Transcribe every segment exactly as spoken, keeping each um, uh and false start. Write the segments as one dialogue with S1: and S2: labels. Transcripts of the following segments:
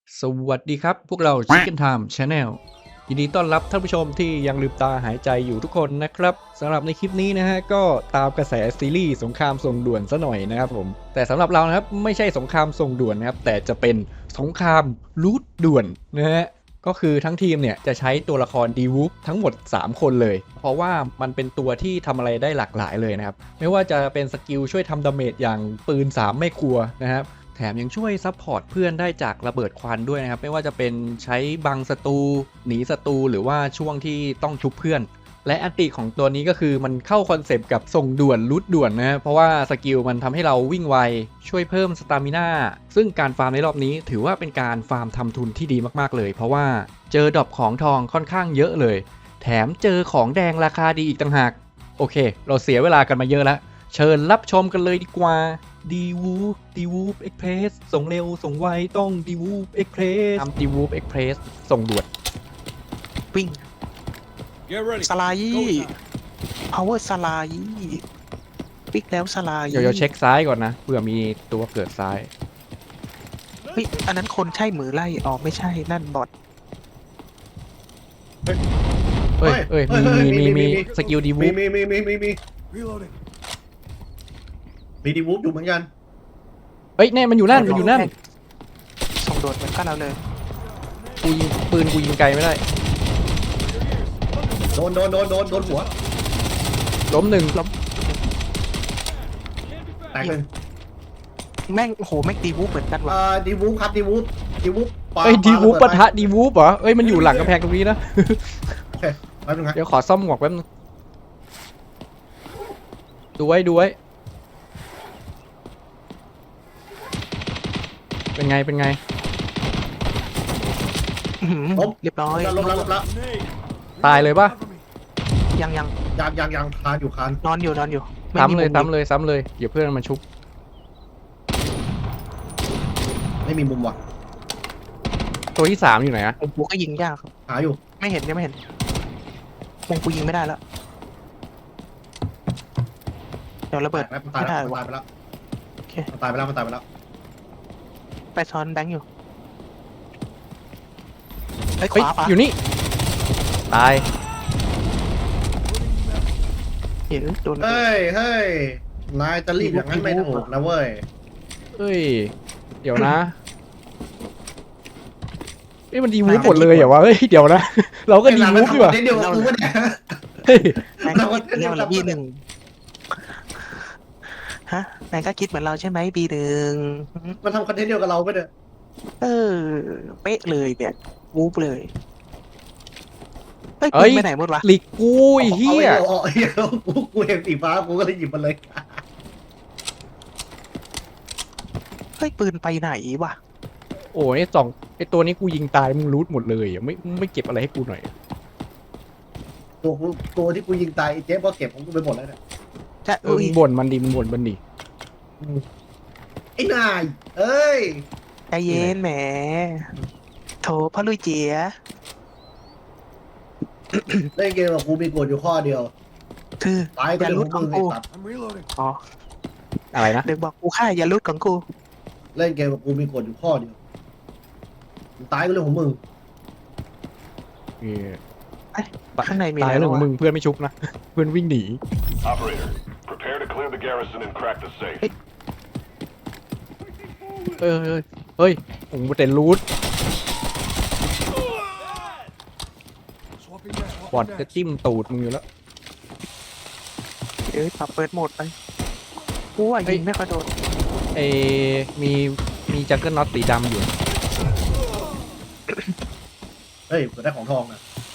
S1: สวัสดีครับพวกเรา Chicken Time Channel ยินดีต้อนรับท่านผู้ชมที่ยังลืมตาหายใจอยู่ทุกคนนะครับสำหรับในคลิปนี้นะฮะก็ตามกระแสซีรีส์สงครามส่งด่วนซะหน่อยนะครับผมแต่สำหรับเรานะครับไม่ใช่สงครามส่งด่วนนะครับแต่จะเป็นสงครามรูทด่วนนะฮะก็คือทั้งทีมเนี่ยจะใช้ตัวละครดีวูฟทั้งหมดสามคนเลยเพราะว่ามันเป็นตัวที่ทำอะไรได้หลากหลายเลยนะครับไม่ว่าจะเป็นสกิลช่วยทำดาเมจอย่างปืนสามไม่ครัวนะครับแถมยังช่วยซัพพอร์ตเพื่อนได้จากระเบิดควันด้วยนะครับไม่ว่าจะเป็นใช้บังศัตรูหนีศัตรูหรือว่าช่วงที่ต้องชุบเพื่อนและอันติของตัวนี้ก็คือมันเข้าคอนเซปต์กับส่งด่วนรูทด่วนนะเพราะว่าสกิลมันทำให้เราวิ่งไวช่วยเพิ่มสตามิน่าซึ่งการฟาร์มในรอบนี้ถือว่าเป็นการฟาร์มทำทุนที่ดีมากๆเลยเพราะว่าเจอดรอปของทองค่อนข้างเยอะเลยแถมเจอของแดงราคาดีอีกต่างหากโอเคเราเสียเวลากันมาเยอะแล้วเชิญรับชมกันเลยดีกว่าดีวูฟดีวูฟเอ็กเพรสส่งเร็วส่งไวต้องดีวูฟเอ็กเพรสทำดีวูฟเอ็กเพรสส่งด่วน
S2: วิ่งสไลด์ power สไลด์ปิกแล้วสไลด์
S1: เดี๋ยวเช็คซ้ายก่อนนะเผื่อมีตัวเกิดซ้าย
S2: เฮ้ยอันนั้นคนใช่มือไล่อ๋อไม่ใช่นั่นบอท
S1: เอ้ยเอ้ยมีมีมีมีสกิลดีวู
S3: มี
S1: ฟ
S3: มีมีมีมีมีมีดีวูฟอยู่เหมือนกัน
S1: เฮ้ยแน่มันอยู่นั่นมันอยู่นั่น
S2: ส่งโดดเหมือนกันเราเลย
S1: กูยิงปืนกูยิงไกลไม่ได้
S3: โดนโดนโดนโดนโดนหัว
S1: ล้มหนึ่ง
S2: ล้ม
S3: แตกหนึ่ง
S2: แม่งโอ้โหแม่งดีวูฟเหมือนกันว่ะ
S3: อ่าดีวูฟครับดีวูฟดีวูฟปา
S1: เอ้ยดีวูฟ
S3: า
S1: ปะทะดีวูฟเหรอเอ้ยมันอยู่หลังกำแพงตรงนี้นะ
S3: โอเคแป๊บนึงนะ
S1: เดี๋ยวขอซ่อมหมวกแป๊บนึงดูไว้ดูไว้เป็นไงเป็นไง
S2: อื้อหือเรียบร้อย
S3: ลบแล้วลบแล้ว
S1: ตายเลยปะ
S2: ยังยัง
S3: ยังยังยังคานอยู่คาน
S2: นอนอยู่นอนอยู่ไ
S1: ซ้ำเลย
S2: มุม
S1: ซ้ำเลยซ้ำเลยเดี๋ยวเพื่อนมันชุบ
S3: ไม่มีมุมว่ะ
S1: ตัวที่สามอยู่ไหนอะ
S2: มุมกูก็ยิงยากครับ
S3: หาอยู่
S2: ไม่เห็นยังไม่เห็นมุมกูยิงไม่ได้แล้วเดี๋ยวระ
S3: ตา
S2: เบิ
S3: ย
S2: ด
S3: ไปมันตาย
S2: ไม่
S3: แล้
S2: ได้
S3: ว
S2: วะ
S3: มันตายไปแล้ว
S2: โอเค
S3: มันตายไปแล้วมันตายไปแล้ว
S2: ไปซ้อนแบงค์อยู่ไอ้ยข
S1: เฮ้ยว
S2: าปะ
S1: อยู่นี่ตาย
S2: เดี๋ยวโดน
S3: เฮ้ยเฮ้ยนายจะรีบอย่างนั้นไม่ถูกนะเว้ย
S1: เอ้ยเดี๋ยวนะเอ้ยมันดีวูฟหมดเลยเหรอวะเฮ้ยเดี๋ยวนะ เราก็ดีวูฟดีกว่า
S3: เดี๋ยวกูวะเนี่ย
S1: เฮ้ย
S2: แบงค์คิดเรียกเราบีหนึ่งฮะแบงค์ก็คิดเหมือนเราใช่ไหมบีหนึ่ง
S3: มันทำคอนเทนต์เดียวกับเราไปเด้อ
S2: เออเป๊ะเลยเนี่ยวูบเลยเฮ้ย
S1: เอ้
S2: ปื
S1: ย
S2: นไปไหนหมดวะ
S1: หลีกกูไอ้เฮีย
S3: เอาไอ้เหี้ยเอากูกูเห็นสีฟ้ากูก็เลยหยิบมันเลย
S2: เฮ้ยปืนไปไหนวะ
S1: โอ้ยไอ้สองไอ้ตัวนี้กูยิงตายมึงรูทหมดเลยอ่ะไม่ไม่เก็บอะไรให้กูหน่อย
S3: ตัวกูตัวที่กูยิงตายไอ้เจ๊ก็เก็บของกูไปหมดแล้วเนี่ย
S2: จะ
S1: เออ
S2: อุ้ย
S1: มึงบ่นมันดิมึงบ่นมันดิ
S3: ไอ้นายเอ้ย
S2: ใจเย็นแหมโถพ่อลุยเจีย
S3: เล่นเกมกับกูมีกฎอยู่ข้อเดียว
S2: คือ
S3: ตาย
S2: อ
S3: ก็
S2: ย่า
S3: เรื่อง
S2: ลุ
S3: ข
S2: ด
S3: อง
S2: ของ
S3: มึงไอ้
S2: กู
S3: ตัด
S2: อ๋อ
S1: อะไรนะ
S2: เด็กบอกกูฆ่าอย่าลุดของกู
S3: เล่นเกมกับกูมีกฎอยู่ข้อเดียวมึงตายก็เรื่องของมึง
S1: เออ
S2: ข้างในมี
S1: ตาย
S2: อะไร
S1: เรื่องของ
S2: วะ
S1: มึงเพื่อนไม่ชุบนะ เพื่อนวิ่งหนี
S4: Operator, prepare to clear the garrison and crack the safe.
S1: เอ้ยเอ้ยเฮ้ยผมเป็นรูทบอดจะจิ้มตูดมึงอยู่แล้ว
S2: เอ้ยปรับเปิดโหมดไปกูว่า
S1: เฮ้ย
S2: ยิงไม่ค่อยโดน
S1: เอมีมีจังเกิลน็อตสีดำอยู่
S3: เฮ้ยกูได้ของทองนะ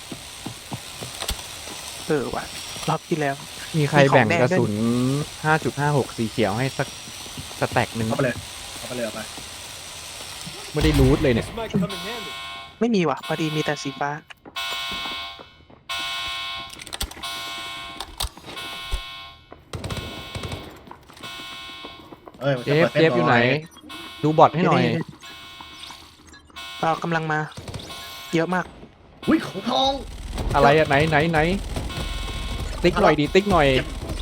S2: เออว่ะรอบที่แล้ว
S1: มีใคร
S2: มีของ
S1: แบ่ง
S2: แดง
S1: กระ
S2: ด้วย
S1: สุน ห้าจุดห้าหก สีเขียวให้สักสแต็กหนึ่ง
S3: เอาไปเลยเอาไปเลยเอาไป
S1: ไม่ได้รูทเลยเนี่ย
S2: ไม่มีว่ะพอดีมีแต่สีฟ้า
S3: เอ้ยมัน
S1: เจ
S3: จะ
S1: ฟ
S3: ปิด
S1: เจฟอยู่ไหน ดูบอทให้หน่อย
S2: เรากำลังมา เยอะมาก
S3: อุ้ยของทอง
S1: อะไรอะไหนไหนไหนติ๊กหน่อยดิติ๊กหน่อย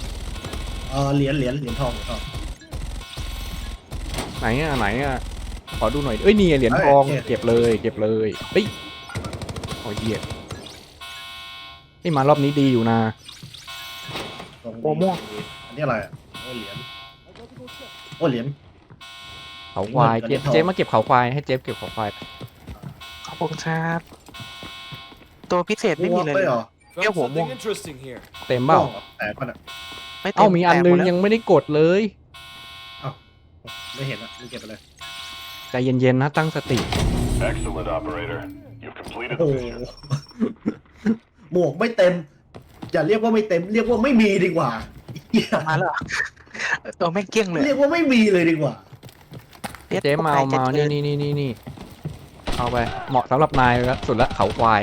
S3: เออเหรียญเหรียญเหรียญทองเหรียญทอง
S1: ไหนอะไหนอะขอดูหน่อยเอ้ยนี่ไงเหรียญทอง
S3: เอ้ย
S1: เก็บเลยเก็บเลยเฮ้ยโอ้ยเหี้ยไอ้ยมารอบนี้ดีอยู่นะ
S3: ตรงนี้
S2: โอ้ม่วง
S3: อันนี้อะไรอ่ะโอ้เหรียญโอ้เหรียญ
S1: เขาควาย
S3: เหรี
S1: เจ๊
S3: ยญทอง
S1: เจ๊มาเก็บเขาควายให้เจ๊เก็บเขาควาย
S2: ขอบคุณครับตัวพิเศษไม่
S3: ม่ว
S2: มี
S3: ง
S2: เลย
S3: ไม่เหรอ
S2: เอ้าหัวม่วง
S5: Something interesting here.
S1: เต็มเปล่า
S3: ม่วงหรอแตกมันอ่ะ
S2: ไม่เต็
S1: เอ้ามีอันนึง
S2: แตกหดแล้ว
S1: ยังไม่ได้กดเลย
S3: ไม่เห็นอ่ะมึงเก็บไปเลย
S1: ใจเย็นๆนะตั้งสติ
S4: Excellent, operator. You've completed
S3: โอ้
S4: the
S3: โห
S4: mission.
S3: หมวกไม่เต็มอย่าเรียกว่าไม่เต็ม เรียกว่าไม่มีดีกว่าเหี้ย
S2: มาแล้วเหรอตัวแม่งเกลี้ยงเลย
S3: เรียกว่าไม่มีเลยดีกว่า
S1: เจ๊มาเอามานี่นี่นี่นี่นี่เอาไปเหมาะสำหรับนายแล้วสุดละเขาควาย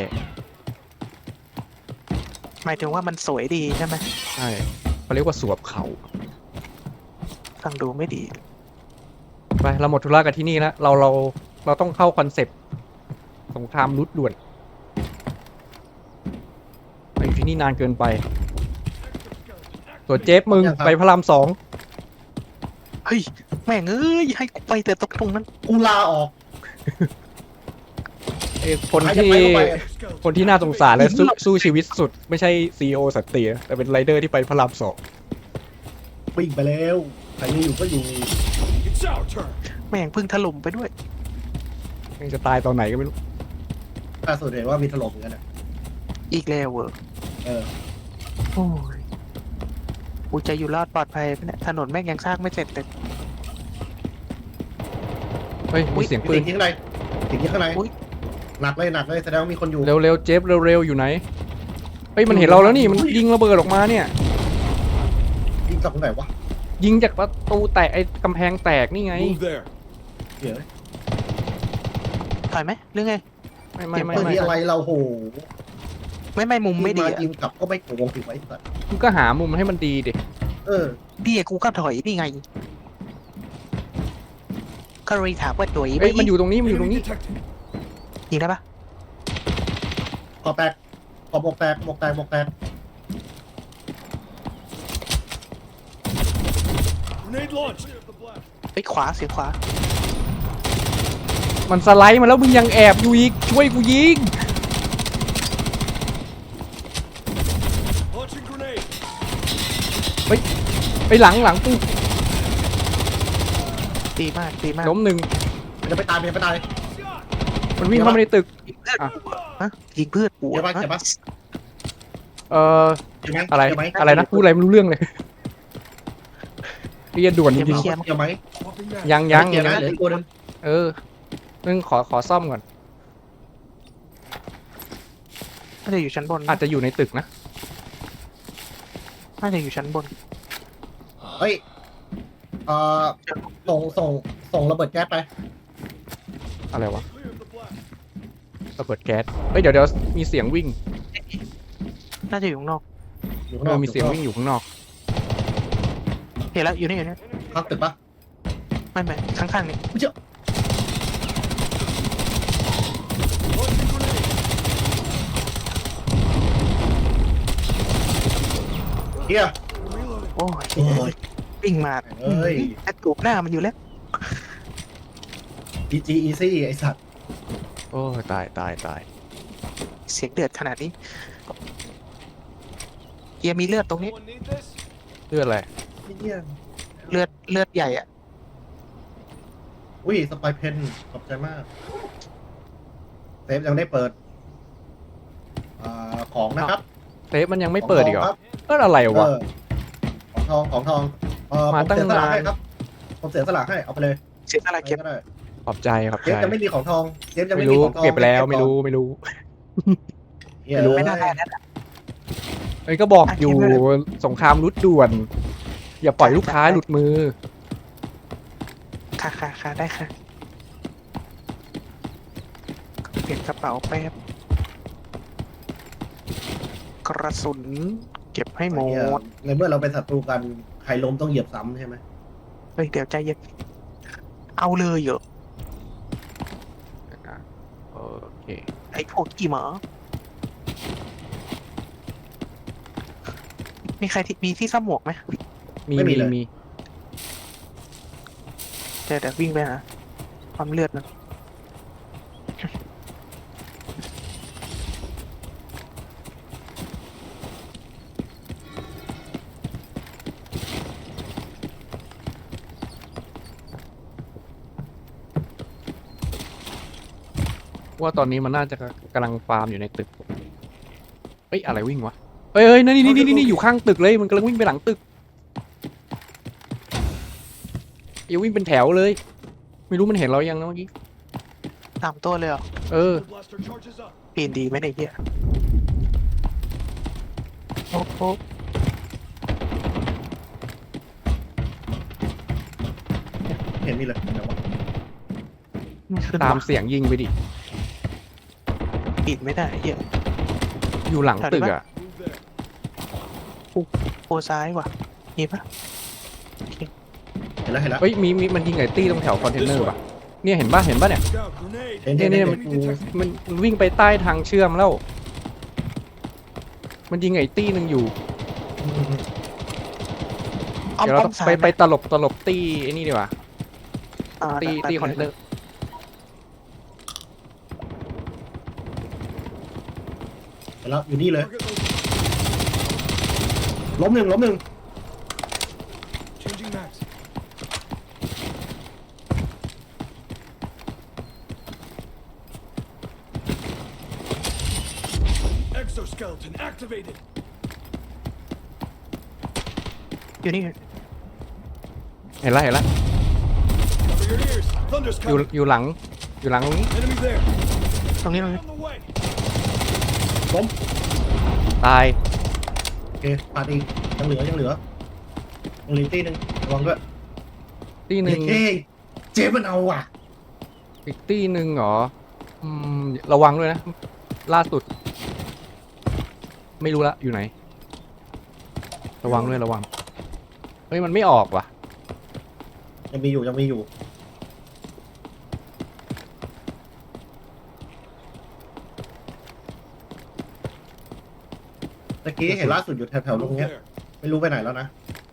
S2: หมายถึงว่ามันสวยดีใช่ไหม
S1: ใช่เขาเรียกว่าสวบเขา
S2: ฟังดูไม่ดี
S1: ไปเราหมดธุระกันที่นี่แล้วเราเราเราต้องเข้าคอนเซปต์สงครามรุดด่วนไปอยู่ที่นี่นานเกินไปตัวเจฟมึง
S3: ยังครับ
S1: ไปพระรามสอง
S2: เฮ้ยแม่งเอ้ยให้กูไปแต่ตรงตรงนั้น
S3: กูลาออก
S1: เอ้ยคน
S3: ใครจะ
S1: ที่
S3: ไปก็ไป
S1: คนที่น่าสงสารและสู้สู้ชีวิตสุด ไม่ใช่ซีอีโอสัตตินะแต่เป็นไรเดอร์ที่ไปพระรามสอง
S3: วิ่งไปแล้วใครไม่อยู่ก็อยู่
S5: It's our turn.
S2: แม่งเพึ่งถล่มไปด้วย
S1: ยังจะตายตอนไหนก็ไม่รู้
S3: ล่าสุดเห็นว่ามีถล่มเหมือนกันอ่ะ
S2: อีกแล้วเวอร์
S3: เออ
S2: โอ้ยกูจะอยู่รอดปลอดภัยปะเนี่ยถนนแม่งยังสร้างไม่เสร็จเลย
S1: เฮ้ยมีเสียงปืน
S3: สิ่งที่ข้างในสิ่งที่ข้างใน
S2: อุ๊ย
S3: หนักเลยหนักเลยแสดงว่ามีคนอยู่
S1: เร็วๆเจฟเร็วๆอยู่ไหนเฮ้ยมันเห็นเราแล้วนี่มันยิงระเบิดออกมาเนี่ย
S3: ยิงจากตรงไหนวะ
S1: ยิงจากประตูแตกไอ้กำแพงแตกนี่ไง
S5: Move there.
S3: เดี๋ยว
S2: ถอยไหมหรือไง
S1: ไม่ไม่ไม่
S3: ปืน
S1: ไม่
S3: ที่อะไรเราโห
S2: ไม่ไม่มุมไม่ดี
S3: ยิง
S2: อะ
S3: ายิงกลับก็ไม่โกงถึงไว้สัตว์
S1: มึงก็หามุมให้มันดีดิ
S3: เออ
S2: ดีอะกูก็ถอยนี่ไงก็เลยถามว่าตัวอี
S1: เฮ้ยมันอยู่ตรงนี้มันอยู่ตรง
S5: Enemy
S1: นี้
S5: detected.
S2: ยิงได้ปะ
S3: ขอแตกขอหมวกแตกหมวกแตกหมวกแตก
S5: Grenade launched.
S2: ไปขวาเสียงขวา
S1: มันสไลด์มาแล้วมึงยังแอบอยู่อีกช่วยกูยิง
S5: Launching grenade.
S1: ไปหลังหลังกู
S2: ดีมากดีมาก
S1: ล้มหนึ่ง
S3: มันจะไปตายมันจะไปตาย
S1: มันวิ่งเข้ามาในตึก
S2: ยิงเพื่อน
S1: อ่ะ
S2: กูฮะยิงเพื่อนกู
S3: เดี๋ยวปะเดี๋ยวปะ
S1: เอ่อ
S3: เดี๋ยวไหม
S1: อะไร
S3: เดี๋ยวหม
S1: อะไรนะพูดอะไรไม่รู้เรื่องเลยเรียนด่วนจริง
S3: เดี๋ยวไหม
S5: Swapping back.
S1: ๆยังยัง
S3: เดี๋ยว
S1: ยั
S3: นะ
S1: ง
S3: เหลืออีกตัวหนึง
S1: เออนึงขอขอซ่อมก่อน
S2: น่าจะอยู่ชั้นบน
S1: อาจจะอยู่ในตึกนะ
S2: น่าจะอยู่ชั้นบน
S3: เฮ้ยเอ่อส่งส่งส่งระเบิดแก๊สไป
S1: อะไรวะระเบิดแก๊สเฮ้ยเดี๋ยวเดี๋ยวมีเสียงวิ่ง
S2: น่าจะอยู่ข้างนอก
S3: อยู่ข้าง
S1: เอน
S3: อ
S1: อก มีเสียงวิ่งอยู่ข้างนอก
S2: เห็นแล้วอยู่นี่อยู่นี่
S3: ข้างตึกปะ
S2: ไม่ไม่ข้างๆนี่
S3: ไม่เชื่อ
S5: Launching grenade.
S3: เฮีย
S5: Reloading.
S2: โอ้ย
S3: โอ้ย
S2: วิ่งมา
S3: เอ้ย
S2: แอดกูหน้ามันอยู่แล้ว
S3: พี จี Easy ไอสัตว์
S1: โอ้ยตายตายตาย
S2: เสียงเดือดขนาดนี้เกียร์มีเลือดตรงนี้
S5: Anyone need this?
S1: เลือดอะไร
S3: เฮีย
S2: เลือดเลือดใหญ่อะ
S3: อุ้ยสไปเพนขอบใจมากเซฟยังได้เปิดอ่าของนะครับ
S1: เซฟมันยังไม่เปิดอีกเหร
S3: ข
S1: อ
S3: องทองครับ
S1: เอออะไร
S3: เอ
S1: วะ
S3: อของทองของทองเออ
S1: มา
S3: ผม
S1: ตั้ง
S3: เสียสละ
S1: นาน
S3: ให้ครับผมเสียสละให้เอาไปเลย
S2: เสียอะไรเก็บ
S3: ก็ได้
S1: ขอบใจขอบ
S3: เจ
S1: ใจ
S3: ฟจะไม่มีของทองเจฟจะ
S1: ไม่
S3: ไม่มี
S1: รู้
S3: ของทอง
S1: เก็บไปแล้วไม่รู้ไม่รู้
S3: เหี้ย
S1: ไม่รู้
S2: ไม่
S3: เอ้
S2: น่าได้
S3: ย
S2: แล้ว
S1: เอ้ยก็บอกอยู่
S2: อ่ะเก็บไว้เลย
S1: สงครามรุดด่วน อย่าปล่อยลูกค้าหลุดมือ
S2: ค่ะค่ะค่ะได้ค่ะเปลี่ยนกระเป๋าแป๊บกระสุนเก็บให้หม
S3: เหี้ย
S2: ด
S3: ในเมื่อเราเป็นศัตรูกันใครล้มต้องเหยียบซ้ำใช่ไหม
S2: เฮ้ยเดี๋ยวใจเย็นเอาเลยเหรอ
S1: โอเค
S2: ไอ้พวกกี่หมามีใครที่มีที่ซ่อมหมวกไหม
S1: มีมีมี
S2: เดี๋ยวเดี๋ยววิ่งไปนะความเลือดมัน
S1: ว่าตอนนี้มันน่าจะกำลังฟาร์มอยู่ในตึกเอ้ยอะไรวิ่งวะเอ้ยเอ้ยนี่นี่นี่นี่อยู่ข้างตึกเลยมันกำลังวิ่งไปหลังตึกอย่าวิ่งเป็นแถวเลย ไม่รู้มันเห็นเรายังนะเมื่อกี้
S2: ตามตัวเลยเหรอ
S1: เออ
S5: The blaster charges up.
S2: ปีนดีไหมเนี่ยไอ้เหี้ยโอ้โห
S3: เห็นมีเลยแต่ว่า
S2: ไม่ขึ้น
S1: ตาม
S2: วะ
S1: เสียงยิงไปดิ
S2: ปีนไม่ได้ไอ้เหี้ย
S1: อยู่หลังตึกอ่ะ
S5: Move there.
S2: โคซ้ายว่ะมีปะ
S3: เห็นแล้วเห็นแล้ว
S1: เฮ้ยมีมีมันยิงไอ้ตี้ตรงแถวคอนเทนเนอร์ป่ะเนี่ยเห็นป่ะเห็นป่ะเนี่ย
S5: Scout, grenade.
S3: เห็น
S1: เนี่
S3: เห็
S1: ย
S3: น
S1: เนี่ย
S3: เห็น
S1: มัน
S3: กู
S1: มันมันวิ่งไปใต้ทางเชื่อมแล้ว มันยิงไอ้ตี้หนึ่งอยู่
S2: อ้อม
S1: เดี๋ยวเรา
S2: อ้อ
S1: ต้อ
S2: ม
S1: ง
S2: ซ้าย
S1: ไป
S2: หม
S1: ไปตลบตลบตี้ไอ้นี่ดีกว่า
S2: อ่า
S1: ตี้
S2: ได้
S1: ตี้คอนเทนเนอร์
S3: เห็นแล้วอยู่นี่เลย
S5: Target located.
S3: ล้มหนึ่งล้มหนึ่ง
S5: Changing max. Exoskeleton activated.
S2: อยู่นี่
S1: เห็นแล้วเห็นแล้ว
S5: Cover your ears. Thunder's
S1: อยู่
S5: coming.
S1: อยู่หลังอยู่หลังตรงนี้
S5: Enemy there.
S2: ตรงนี้ตรงนี้
S5: On the way.
S3: ล้ม
S1: ตาย
S3: โอเคปาดอีกยังเหลือยังเหลือยังเหลือตีหนึ่งระวังด้วย
S1: ตี้หนึ่ง
S3: เฮ้ยเจ๊มันเอาว่ะ
S1: อีกตี้หนึ่งเหรออืมระวังด้วยนะ ล่าสุด ไม่รู้ละอยู่ไหน ระวังด้วยระวังเฮ้ยมันไม่ออกว่ะ
S3: ยังมีอยู่ยังมีอยู่ตะกี้เห็นล่าสุดอยู่แถวๆตรง
S5: Move
S3: เนี้ย
S5: there.
S3: ไม่รู้ไปไหนแล้วนะ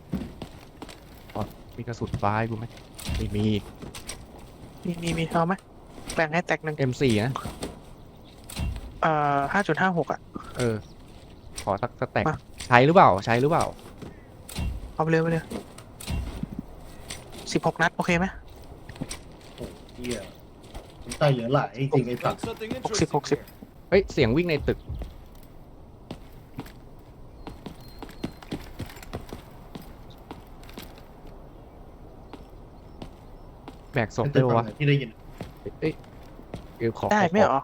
S1: มีกระสุนฟ้าให้กูไหมไม่มี
S2: มีมีมีเอาไหมแบ่งให้แตกหนึ่ง
S1: เอ็ม สี่ นะ
S2: เอ่อห้าจุดห้าหกอ่ะ
S1: เออ ขอสักสแต็ก
S2: มา
S1: ใช้หรือเปล่า ใช้หรือเปล่า
S2: เอาไปเลยไปเลยสิบหกนัด โอเคไหม
S3: โอ้เหี้ยมันใจเหลือหลายจริงๆไอ้สัต
S5: Got
S3: ว์
S5: something
S2: Hoxie,
S5: interesting
S2: hoxie.
S5: here.
S1: เฮ้ย เสียงวิ่งในตึก แบกศพ
S3: เป็น
S1: ได้
S3: ตึก
S1: ปะ
S3: ฝั่
S1: วะ
S3: งไหนที่ได้ยิน
S1: เอ้ยเดี๋ยวขอ
S2: ได้
S1: ขอ
S2: ไหมเหรอ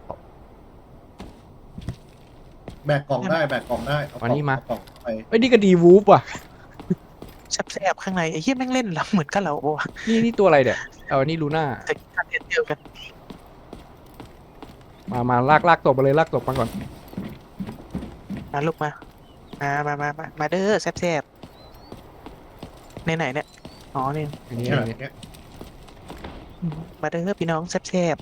S3: แบกกล่องได้แบกกล่องได้เอากล่
S1: อั
S3: อน ง
S1: นี้มา
S3: เอากล่องไป
S1: เอ้ยนี่ก็ดีวูฟว่ะ
S2: แซบๆข้างในไอ้เหี้ยแม่งเล่นแล้วเหมือนกันเราโอ้
S1: นี่นี่ตัวอะไรเดี๋ยเอาอันนี้ลูน่า
S2: แต่การเล่นเดียวกัน
S1: มามาลากลากตบมาเลยลากตบมาก่อน
S2: มาลูกมามามามามามาเด้อแซบๆในไหนเนี่ยอ๋อนี่
S1: อันนี้
S3: เนี่ย
S1: อันนี้
S3: เนี่ย
S2: อืมมาเด้อพี่น้องแซบ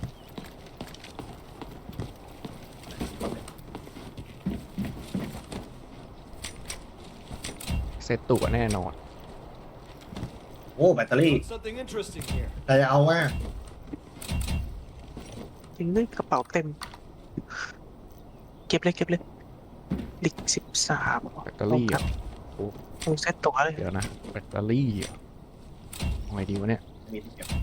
S1: เซตตัวแน่นอน
S3: โอ้แบตเตอรี่
S5: Got something interesting here.
S3: ใครจะเอาว่า
S2: ๆจริงด้วยกระเป๋าเต็ม เก็บเลยเก็บเลยลิกสิบสาม
S1: แบตเตอรี่อ่ะ
S2: โอ้เซตตัวเลย
S1: เดี๋ยวนะ แบตเตอรี่อ่ะเอาไงดีวะเนี่ย
S3: มีที่เก็บ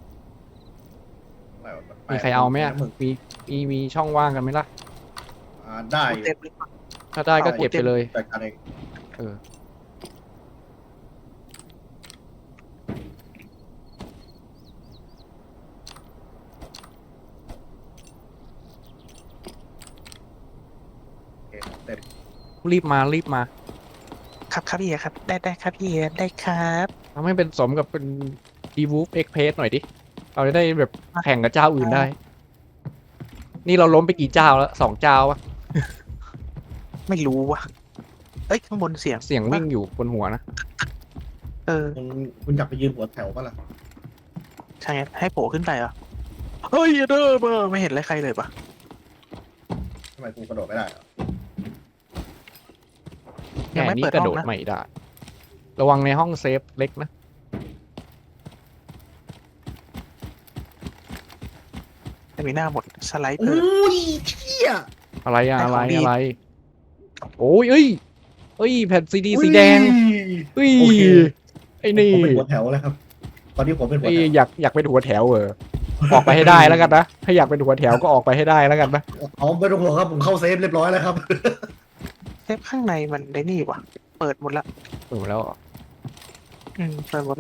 S1: มีใครเอาไหมอ่ะ
S3: มึง
S1: มีมีมีช่องว่างกันไหมล่ะ
S3: อ่าได้อยู่
S2: เต็มเลย
S1: ถ้าได้ก็เก็บไปเลย
S3: จัดการเอง
S1: เออ
S3: โอเคเต็ม
S1: รีบมารีบมา
S2: ครับครับพี่ครับ ได้ได้ครับพี่ได้ครับ
S1: ทำให้เป็นสมกับเป็นดีวูฟเอ็กเพสหน่อยดิ เราจะได้แบบแข่งกับเจ้าอื่นได้ นี่เราล้มไปกี่เจ้าแล้วสองเจ้าวะ
S2: ไม่รู้ว่ะเอ้ยข้างบนเสียง
S1: เสียงวิ่งอยู่บนหัวนะ
S2: เออ
S3: คุณคุณอยากไปยืนหัวแถวปะล่ะ
S2: ใช่ไงให้โผล่ขึ้นไปเหรอเฮ้ยเด้อเบอร์ไม่เห็นอะไรใครเลยปะ
S3: ทำไมกูกระโดดไม่ได้อะ
S1: แค่นี้กระโดดไม่ได้ ระวังในห้องเซฟเล็กนะ
S2: มีหน้าหมดสไลด์เพิ่ม
S3: อุ้ยเชี่ย
S1: อะไรอะ
S2: ไอ้
S1: อะไร
S2: ของดี
S1: อะไร โอ้ยเอ้ยเอ้ยแผ่นซีดีสีแดงเอ้ย
S3: โอเค
S1: ไอ้นี่
S3: ผมเป็นหัวแถวแล้วครับ ตอนนี้ผมเป็นหัว
S1: ไอ้
S3: แถว
S1: อยากอยากเป็นหัวแถวเออออกไปให้ได้แล้วกันนะถ้าอยากเป็นหัวแถวก็ออกไปให้ได้แล้วกันนะ
S3: อ๋อไม่ต้องห่วงครับผมเข้าเซฟเรียบร้อยแล้วครับ
S2: เซฟข้างในมันได้นี่วะเปิดหมดละ
S1: เออแล้ว
S2: อืมเปิดหมดละ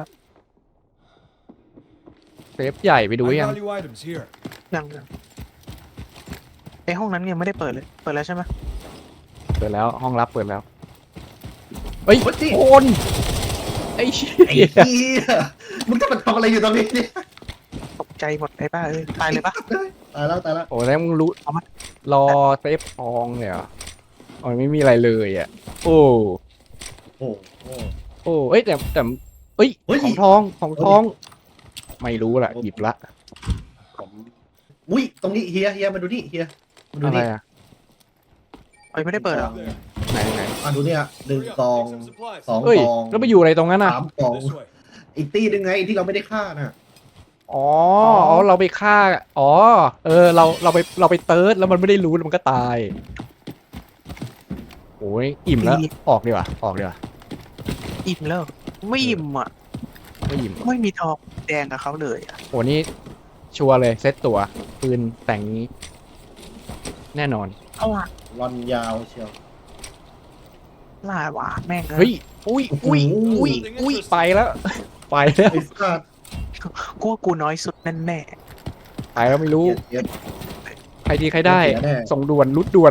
S1: เซฟใหญ่ไปดู
S5: High
S1: ยัง
S5: value items here.
S2: ยังยังไอห้องนั้นยังไม่ได้เปิดเลย เปิดแล้วใช่ไหม
S1: เปิดแล้วห้องรับเปิดแล้วเฮ้ย
S3: โอ้ยนี่
S1: โอนไอ้เชี่
S3: ไอ้
S1: ย
S3: เหี้ยมึงจะมาทำอะไรอยู่ตอนนี้เนี่ย
S2: ตกใจหมดไอ้บ้าเอ้ยตายเลยปะ
S3: ตายแล้วตายแล้ว
S1: โอ้แล้วมึงรู้
S2: เอามา
S1: รอเซฟทองเลยเหรอโอ้ยไม่มีอะไรเลยอ่ะโอ้
S3: โอ้โห
S1: โอ้เอ้ยแต่แต่เอ้ย
S3: เฮ้ย
S1: ของทองของทอง ไม่รู้ล่ะหยิบละ
S3: ผมอุ้ยตรงนี้เฮียเฮียมาดูนี่เฮียมาดู
S1: อะไร
S3: นี่
S1: อ่ะ
S2: เอ้ยไม่ได้เปิดเหรอ
S5: There.
S1: ไหนไหน
S3: มาดูเนี่ยหนึ่ง
S5: Hurry up,
S3: กอง
S5: take some supplies.
S3: สอง
S1: เอ้ย
S3: กอง
S1: แล้วไปอยู่อะไรตรงนั้นน่ะ
S3: สามกอง
S5: This way.
S3: อีกตีหนึงไงที่เราไม่ได้ฆ่าน่ะ
S1: อ๋ออ๋อเราไปฆ่าอ๋อเออเราเราไปเราไปเติร์ดแล้วมันไม่ได้รู้แล้วมันก็ตายโอ้ยอิ่มแล้วออกดีกว่าออกดีกว่า
S2: อิ่มแล้วไม่อิ่มอ่ะ
S1: ไม่อิ่ม
S2: ไม่มีทองแดงกับเขาเลยอ่ะ
S1: โอ้นี่ชัวร์เลยเซตตัวปืนแต่งนี้ แน่นอน
S2: เอาล่ะ
S3: รอนยาวเชียว
S2: ล่าหวาแม่งเอ้
S1: เฮ้
S2: ย
S1: ยอุ้ยอุ้ยอุ้ยอุ้ยไปแล้วไปแล้ว
S3: ไอ้สัตว์
S2: กูว่ากูน้อยสุดแน่แน่
S1: ไปแล้วไม่รู้
S3: เสีย
S1: ใครดีใครได้
S3: เสียแน่
S1: ส่งด่วนรุดด่วน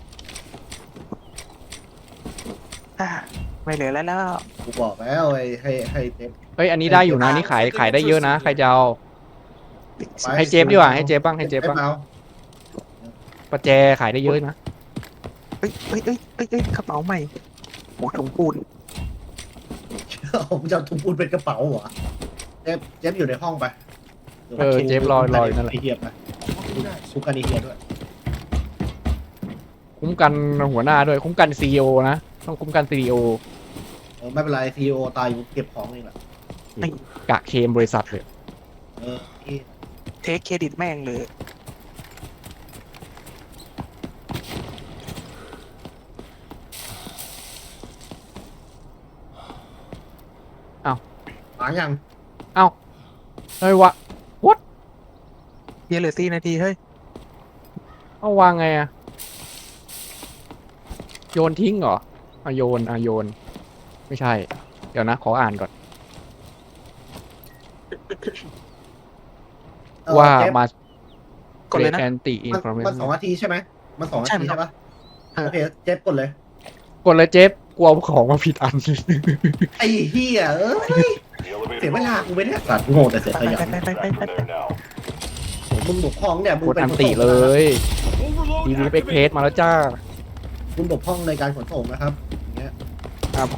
S2: ๆอ่ะไม่เหลือแล้วแล้ว
S3: กูบอกแล้วไอ้ให้ให้เจ็บ
S1: เฮ้ยอันนี้ได้อยู่นะนี่ขายขายได้เยอะนะใครจะเอา
S3: ไป
S1: ให้เจฟดีกว่าให้เจฟบ้างให้เจฟบ้าง
S3: เอา
S1: ประแจขายได้เยอะนะ
S2: เอ้ยเอ้ยเอ้ยเอ้ยเอ้ยกระเป๋าใหม่โอ้ถุงปูน
S3: ผมจะเอาถุงปูนเป็นกระเป๋าเหรอเจฟเจฟอยู่ในห้องไป
S1: เออเจฟลอยลอยนั่นแหละ
S3: ไอเฮียไป
S5: Walking next.
S3: คุกกันไอเฮียด้วย
S1: คุ้มกันหัวหน้าด้วยคุ้มกันซีอีโอนะต้องคุ้มกันซีอีโอ
S3: เออไม่เป็นไรซีโอตายอยู่เก็บของเองแหละ
S1: กะเคมบริษัทเลย
S3: เออเหี้ย
S2: เทคเครดิตแม่งเลย
S3: หายัง
S1: เอ้าเฮ้ยวะ
S2: เดี๋ยวเหลือสี่นาทีเฮ้ย
S1: เอาวางไงอะโยนทิ้งเหรออะโยนอะโยน ไม่ใช่ เดี๋ยวนะ ขออ่านก่อน
S3: เออ
S1: ว่า
S3: เจฟ
S1: มา
S2: กดเลยนะ
S1: แอนตี้อิน
S3: มัน
S1: ฟอร์เม
S3: มันสองนาทีใช่ไหมมันสองนา
S2: ใช่
S3: ที
S2: มัน
S3: ใช่ปะ
S2: เออ
S3: โอเคเจฟกดเลย
S1: กดเลยเจฟกลัวของมาผิดอัน
S3: ไอ้เฮียเอ้ย
S4: The elevator
S3: เสียเวลา
S4: moves.
S3: กูไม่ได้สัตว์โง่แต่เสียขยัน
S2: ไปไปไป
S4: Back
S2: ไป
S4: from there now.
S3: ผมมึงบกพร่องเนี่ยมึง
S1: กด
S3: เป็น
S1: อัน
S3: ขน
S1: ติ
S3: ส่ง
S1: เล
S3: นะครับ
S1: ย
S5: Overload
S1: ทีวีเอ็กเพส
S5: activated.
S1: มาแล้วจ้า
S3: คุณบกพร่องในการขนส่งนะครับอย่างเงี้ย
S1: ครับ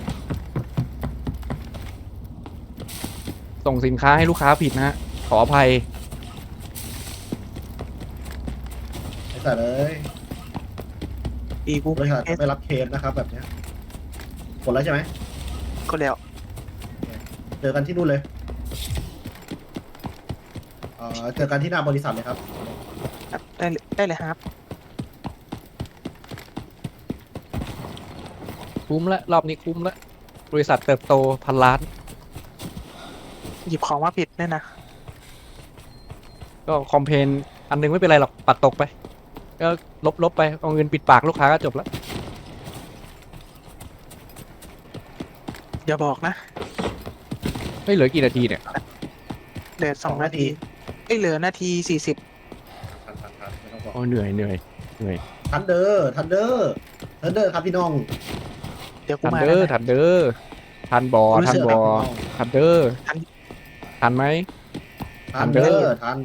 S1: ส่งสินค้าให้ลูกค้าผิดนะฮะ ขออภัย
S3: ไอ้สัตว์เอ้ย
S2: อีกู
S3: บริษัทจะไม่รับเคสนะครับแบบเนี้ยกดแล้วใช่ไหม
S2: ก็แล้ว
S3: เจอกันที่นู่นเลยเอ่อเจอกันที่หน้าบริษัทเลยครับ
S2: ได้เลยได้เลยครับ
S1: คุ้มละรอบนี้คุ้มละบริษัทเติบโตพันล้าน
S2: หยิบของมาผิดเนี่ยนะ
S1: ก็คอมเพนอันนึงไม่เป็นไรหรอกปัดตกไป ก็ลบลบไป เอาเงินปิดปากลูกค้าก็จบแล้ว
S2: อย่าบอกนะ
S1: เฮ้ยเหลือกี่นาทีเนี่ย
S2: เหลือสองนาทีเอ้ยเหลือนาทีสี่สิบ
S3: ทันทันทันไม่ต้องบอก
S1: โอ้เหนื่อยเหนื่อยเหนื่อย
S3: ทันเดอร์ทันเดอร์ทันเดอร์ครับพี่น้อง
S2: เดี๋ยวกู
S1: ทัน
S2: มา
S1: เดอ
S2: แล้ว
S1: ร์
S2: นะ
S1: ทันเดอร์ทันบอ
S2: รู้
S1: ทัน
S2: สึก
S1: บอทันเดอร์
S2: ทัน
S1: ทันไหม
S3: ทันเดอ
S1: Thunder
S3: ร์ทัน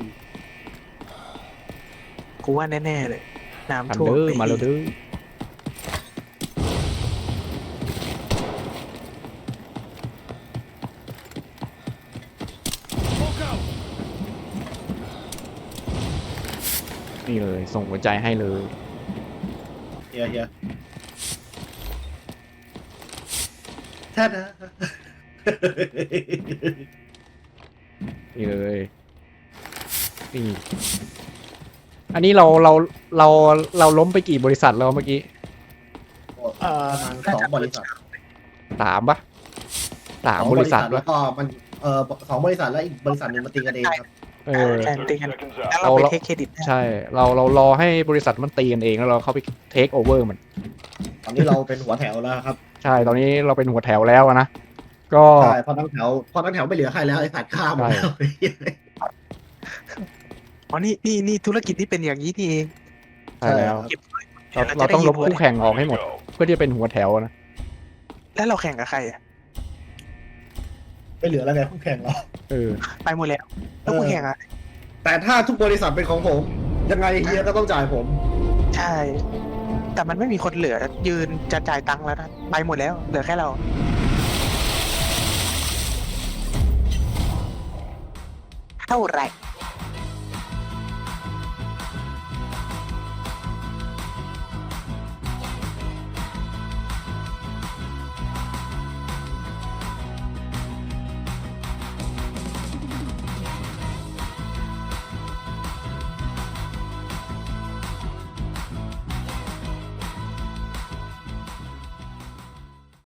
S2: กูว่าแน่ๆเลยน้ำ
S1: ทัน
S2: ท่วม
S1: เดอร์
S2: ไป
S1: มาแล้วเด้อ
S5: Smoke out.
S1: นี่เลย ส่งหัวใจให้เลย
S3: เฮียเฮียแท้นะ
S1: นี่เลย นี่อันนี้เราเราเราเราล้มไปกี่บริษัทแล้วเมื่อกี้
S2: เอ่อ
S3: ประมาณสองบริษัท
S1: สามปะสามบริษัท
S3: แล้ว วก็มันเอ่อสองบริษัทแล้วอีกบริษัทหนึ่งมาตีกันเองครับ
S1: เออ
S2: แทนตีกัน
S4: Seconds
S2: แล้ว
S4: out.
S2: เราไป
S1: เรา
S2: เทคเครดิตนะ
S1: ใช่ เราเรารอให้บริษัทมันตีกันเองแล้วเราเข้าไปเทคโอเวอร์มัน
S3: ตอนนี้เราเป็นหัวแถวแล้วครับ
S1: ใช่ ตอนนี้เราเป็นหัวแถวแล้วอะนะ ก็
S3: ใช่พอทั้งแถวพอทั้งแถวไม่เหลือใครแล้วไอ้สัตว์ข้ามหมดแล้ว
S2: อ๋อนี่นี่นี่ธุรกิจที่เป็นอย่างนี้นี่เอง
S1: ใช่แล้ว
S2: เก็บไว้
S1: เรา
S2: ดี๋ยว
S1: เรา
S2: จะได้
S1: ต้องลบ
S2: ยิน
S1: คู่แข่งออกให้หมด
S4: Go.
S1: เพื่อที่จะเป็นหัวแถวนะ
S2: แล้วเราแข่งกับใครอะ
S3: ไม่เหลือแล้วไงคู่แข่งเรา
S1: เออ
S2: ไปหมดแล้วแล้วคู่แข่งอะ
S3: แต่ถ้าทุกบริษัทเป็นของผม ยังไงเฮียก็ต้องจ่ายผม
S2: ใช่ แต่มันไม่มีคนเหลือยืนจะจ่ายตังค์แล้วนะไปหมดแล้วเหลือแค่เรา เท่าไหร่